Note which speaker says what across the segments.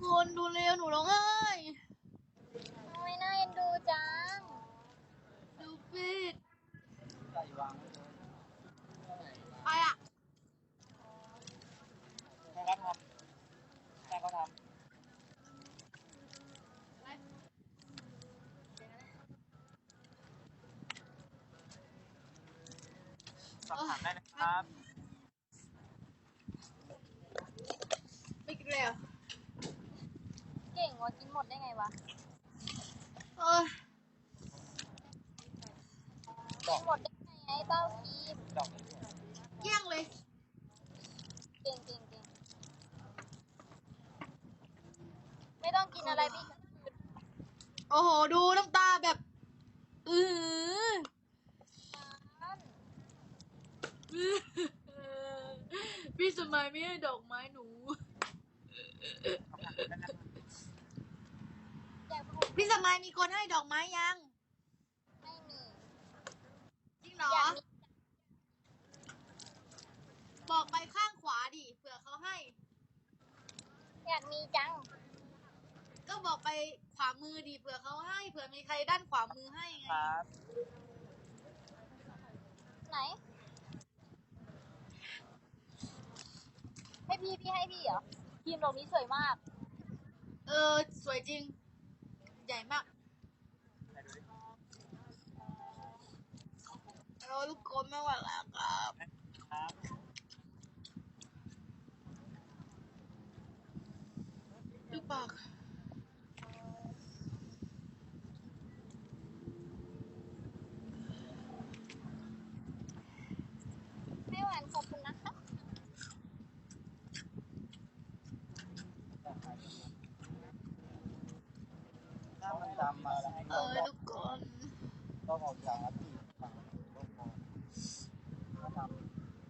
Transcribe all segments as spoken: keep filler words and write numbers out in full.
Speaker 1: คนดูเร็วหนูร้องไห้
Speaker 2: ทำไมน่าเอ็นดูจัง
Speaker 1: ดูปิด
Speaker 3: ใส่วาง
Speaker 1: ไปอ่ะ
Speaker 3: แม่ก็ทำแม่ก็ทำสอบถามได้นะครับ
Speaker 1: ไม่กินเลยอ่ะ
Speaker 2: เก่งว่ะกินหมดได้ไงวะ
Speaker 1: เออ
Speaker 2: กินหมดได้ไงไอ้เต้าคีม
Speaker 1: เยี่ยงเลย
Speaker 2: เก่งเก่งเก่งไม่ต้องกินอะไรพี่
Speaker 1: โอ้โหดูน้ำตาแบบอือพี่สมัยไม่ให้ดอกไม้หนูพี่สมัยมีคนให้ดอกไม้ยัง
Speaker 2: ไม่มี
Speaker 1: จริงเหรอบอกไปข้างขวาดิเผื่อเขาให้
Speaker 2: อยากมีจัง
Speaker 1: ก็บอกไปขวามือดิเผื่อเขาให้เผื่อมีใครด้านขวามือให้ไง
Speaker 3: ครับ
Speaker 2: ไหนให้พี่พี่ให้พี่เหรอทีมดอกนี้สวยมาก
Speaker 1: เออสวยจริงใหญ่มากเราลูกกลมไม่ไหวแล้วครับดูปาก
Speaker 2: ไม่หวานขอบคุณนะคะ
Speaker 3: ถ้ามันดำมา
Speaker 1: เออทุกคน
Speaker 3: ต้องออกจากที่ฝั่งลูกบอลก็ทำ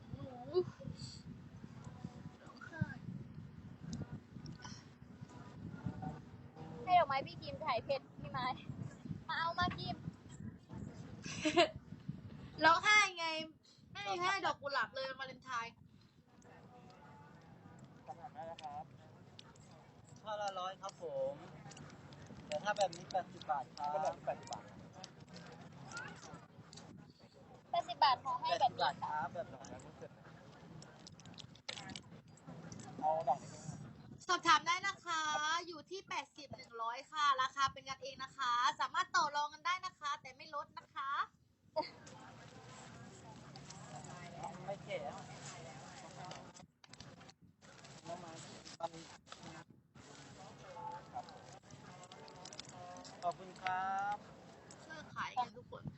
Speaker 2: ให้ดอกไม้พี่กิมถ่ายเพชรพี่ไม้มาเอามากิม
Speaker 1: ร้องไห้ไงไม่มีให้ดอกกุหลาบเลยมาเลนไทน์
Speaker 3: สอบถามได้นะครับข้อละร้อยครับผมแต่ถ้าแบบนี้แปดสิบบาทครับแปดสิบบาท
Speaker 2: แปดสิบบาทขอให้แบบนี้
Speaker 3: ครับแบบดอกนี้เสร็จเอาดอกนี้
Speaker 1: สอบถามได้นะคะอยู่ที่แปดสิบ หนึ่งร้อยค่ะราคาเป็นกันเองนะคะสามารถต่อรองกันได้นะคะแต่ไม่ลดนะคะ
Speaker 3: ไม่เก๋ขอบคุณครับ
Speaker 1: ช่วยขายกันทุกคน